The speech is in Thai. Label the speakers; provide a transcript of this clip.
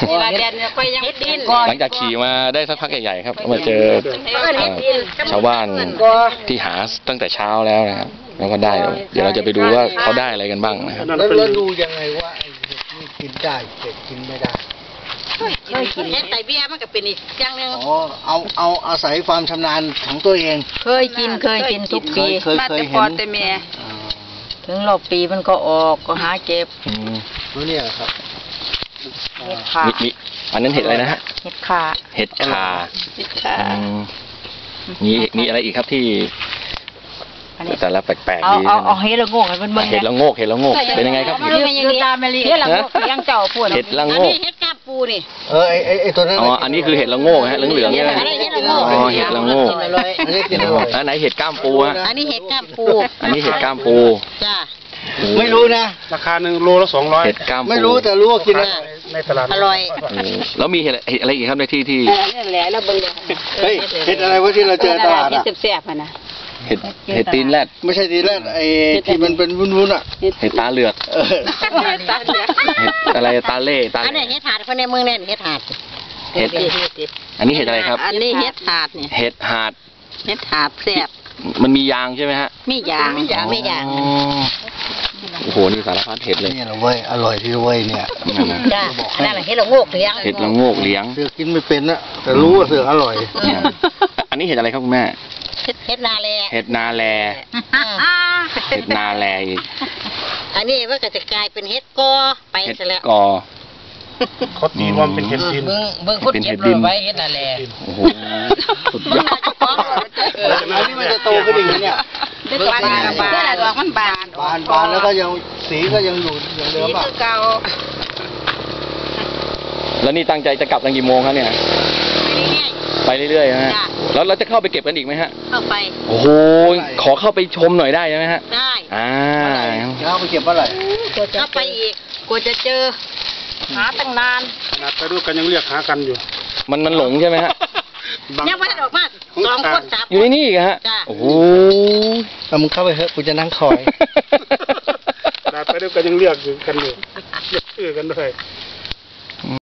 Speaker 1: หลังจากขี่มาได้สักพักใหญ่ๆครับมาเจอชาวบ้านที่หาตั้งแต่เช้าแล้วนะครับแล้วก็ได้เดี๋ยวเราจะไปดูว่าเขาได้อะไรกันบ้างนะครับ
Speaker 2: แล้วดูยังไงว่านี่กินได้เห็ดกินไม่ได้
Speaker 3: เคยกินเห็ดไตเบี้ยมันก็เป็นอีกอย่างนึง
Speaker 2: อ๋อเอาอาศัยความชำนาญของตัวเอง
Speaker 3: เคยกินทุกปี
Speaker 2: เคยเห็น
Speaker 3: แต่แม่ถึงรอบปีมันก็ออกก็หาเก็บ
Speaker 2: รู้เนี่ยครับ
Speaker 3: เห็ดขา
Speaker 1: อันนั้นเห็ดอะไรนะฮะ
Speaker 3: เห็ดขา
Speaker 1: มีอะไรอีกครับที่แต่ละแปลกๆดี
Speaker 3: เอาเห็ดละโงกมัน
Speaker 1: เห็ดละโงกเป็นยังไงครับ
Speaker 3: เห็ดละโงกยังเจ้าพูด
Speaker 1: เห็ดละโงก
Speaker 3: เห็ดกาบปูนี่
Speaker 2: ไอตัวนั้น
Speaker 1: อ๋ออันนี้คือเห็ดละโงกฮะเหลืองๆเนี่ยอ๋อเห็ดละโงกอันไหนเห็ดก้ามปูฮะ
Speaker 3: อันนี้เห็ดก้ามปู
Speaker 1: อันนี้เห็ดก้ามปู
Speaker 3: จ้า
Speaker 2: ไม่รู้นะ
Speaker 4: ราคา1 โลละ200
Speaker 1: เห็ดก้ามปู
Speaker 2: ไม่รู้แต่รู้ว่ากิน
Speaker 4: ในตลาด
Speaker 3: อร่อย
Speaker 1: แล้วมีเห็ดอะไรอีกครับในที่
Speaker 3: นั่นแหละแล้วเบิ่ง
Speaker 2: เฮ้ยเห็ดอะไรวะที่เราเจอตลาดอ่ะ
Speaker 3: แซ่บๆนะ
Speaker 1: เห็ดตีนแรด
Speaker 2: ไม่ใช่ตีนแรดไอ้ที่มันเป็นวุ้นๆอ่ะ
Speaker 1: เห็ดตาเหลือกอะไรตาเล่
Speaker 3: อันนี้เห็ดถาดคนในเมืองเนี่ยเห็ดถาด
Speaker 1: อันนี้เห็ดอะไรครับ
Speaker 3: อันนี้เห็ดถาดเนี่ย
Speaker 1: เห็ดหาด
Speaker 3: แซ่บ
Speaker 1: มันมียางใช่ไหมฮะ
Speaker 3: มียาง
Speaker 1: โอ้โหนี่สารพัดเห็ดเลย
Speaker 2: นี่แหละเว้ยอร่อยที่เว้ยเนี่ย
Speaker 3: จ้านั่นแหละเห็ดละโงกเลี้ยง
Speaker 1: เห็ดละโงกเลี้ยง
Speaker 2: เสือกินไม่เป็นนะแต่รู้ว่าเสืออร่อย
Speaker 1: อันนี้เห็ดอะไรครับคุณแม่
Speaker 3: เห็ดนาแล
Speaker 1: เห็ดนาแลอีก
Speaker 3: อันนี้ว่าก็จะกลายเป็นเห็ดกอไปซะแล้ว
Speaker 1: กอ
Speaker 4: เขาตีว่าเป็นเห็ดดิน
Speaker 3: เบิ่งคนเก็บเลยไว้เห็ดนาแล
Speaker 1: โอ้โหสุดยอด
Speaker 2: อันนี้มันจะโตขึ้นอีกเนี่ย
Speaker 3: บานดอกมันบ
Speaker 2: านแล้วก็ยังสีก็ยังอยู่อย่างเดิมอ่ะ
Speaker 3: เก่า
Speaker 1: แล้วนี่ตั้งใจจะกลับกันกี่โมงครับเนี่ยไปเรื่อยๆนะฮะแล้วเราจะเข้าไปเก็บกันอีกไหมฮะ
Speaker 3: เข้าไป
Speaker 1: โอ้โหขอเข้าไปชมหน่อยได้ไหมฮะ
Speaker 3: ได้
Speaker 2: เข้าไปเก็บเมื่อไหร่
Speaker 3: เข้าไปอีกกว่าจะเจอหาตั้งนาน
Speaker 4: ไปดูกันยังเรียกหากันอยู่
Speaker 1: มันหลงใช่ไหมฮะ
Speaker 3: ยังไม่ได้ออกมา2 คน 3
Speaker 1: อยู่ในนี่ฮะโอ้โห
Speaker 2: มึงเข้าไปเถอะกูจะนั่งคอย
Speaker 4: ไปดูกันยังเรียกกันอยู่เรียกชื่อกันด้วย